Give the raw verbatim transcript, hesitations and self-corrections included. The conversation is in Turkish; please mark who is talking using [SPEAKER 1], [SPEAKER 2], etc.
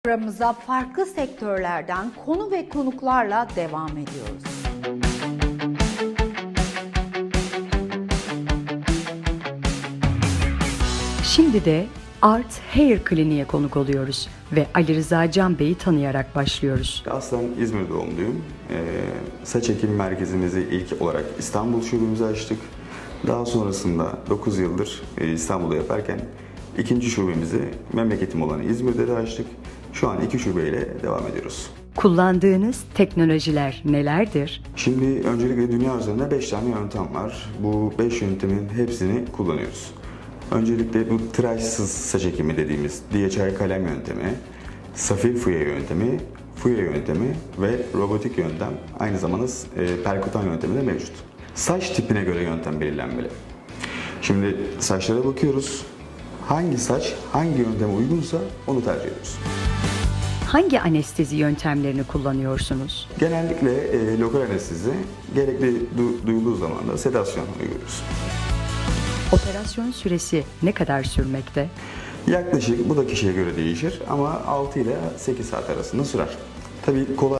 [SPEAKER 1] Programımıza farklı sektörlerden konu ve konuklarla devam ediyoruz.
[SPEAKER 2] Şimdi de Art Hair Kliniğe konuk oluyoruz ve Ali Rıza Can Bey'i tanıyarak başlıyoruz.
[SPEAKER 3] Aslen İzmir doğumluyum. Ee, saç ekimi merkezimizi ilk olarak İstanbul şubemizi açtık. Daha sonrasında dokuz yıldır İstanbul'da yaparken ikinci şubemizi memleketim olan İzmir'de de açtık. Şu an iki şubeyle devam ediyoruz.
[SPEAKER 2] Kullandığınız teknolojiler nelerdir?
[SPEAKER 3] Şimdi öncelikle dünya üzerinde beş tane yöntem var. Bu beş yöntemin hepsini kullanıyoruz. Öncelikle bu tıraşsız saç ekimi dediğimiz D H I kalem yöntemi, safir fuye yöntemi, fuye yöntemi ve robotik yöntem, aynı zamanda e, perkutan yöntemi de mevcut. Saç tipine göre yöntem belirlenmeli. Şimdi saçlara bakıyoruz. Hangi saç hangi yönteme uygunsa onu tercih ediyoruz.
[SPEAKER 2] Hangi anestezi yöntemlerini kullanıyorsunuz?
[SPEAKER 3] Genellikle e, lokal anestezi, gerekli du- duyulduğu zaman da sedasyon uyguluyoruz.
[SPEAKER 2] Operasyon süresi ne kadar sürmekte?
[SPEAKER 3] Yaklaşık, bu da kişiye göre değişir ama altı ile sekiz saat arasında sürer. Tabii kolay